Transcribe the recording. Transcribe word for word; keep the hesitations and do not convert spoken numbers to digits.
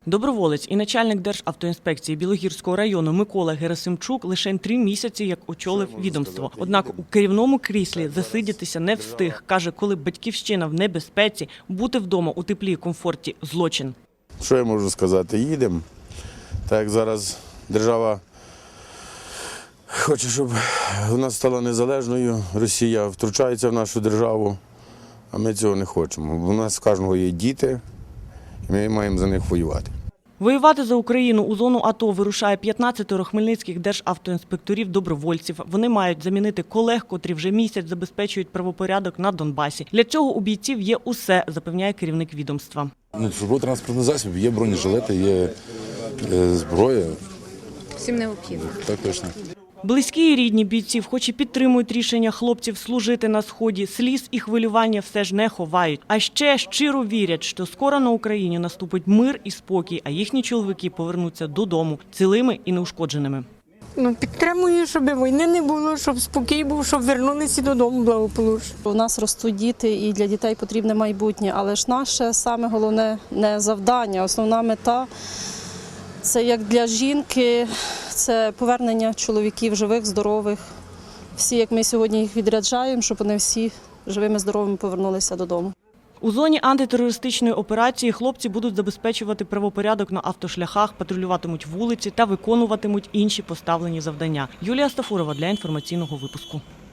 Доброволець і начальник Державтоінспекції Білогірського району Микола Герасимчук лише три місяці як очолив відомство. Однак у керівному кріслі засидітися не встиг. Каже, коли батьківщина в небезпеці, бути вдома у теплі і комфорті – злочин. Що я можу сказати? Їдемо. Так як зараз держава хоче, щоб вона стала незалежною, Росія втручається в нашу державу, а ми цього не хочемо. У нас в кожного є діти, і ми маємо за них воювати. Воювати за Україну у зону АТО вирушає п'ятнадцятеро хмельницьких державтоінспекторів-добровольців. Вони мають замінити колег, котрі вже місяць забезпечують правопорядок на Донбасі. Для цього у бійців є усе, запевняє керівник відомства. Ну, службовий транспортний засіб, є бронежилети, є е, зброя. Всім необхідно. Так точно. Близькі і рідні бійців, хоч і підтримують рішення хлопців служити на Сході, сліз і хвилювання все ж не ховають. А ще щиро вірять, що скоро на Україні наступить мир і спокій, а їхні чоловіки повернуться додому цілими і неушкодженими. Ну, підтримую, щоб війни не було, щоб спокій був, щоб вернулися додому благополучно. У нас ростуть діти, і для дітей потрібне майбутнє, але ж наше саме головне не завдання, основна мета – це як для жінки, це повернення чоловіків живих, здорових. Всі, як ми сьогодні їх відряджаємо, щоб вони всі живими, здоровими повернулися додому. У зоні антитерористичної операції хлопці будуть забезпечувати правопорядок на автошляхах, патрулюватимуть вулиці та виконуватимуть інші поставлені завдання. Юлія Стафурова для інформаційного випуску.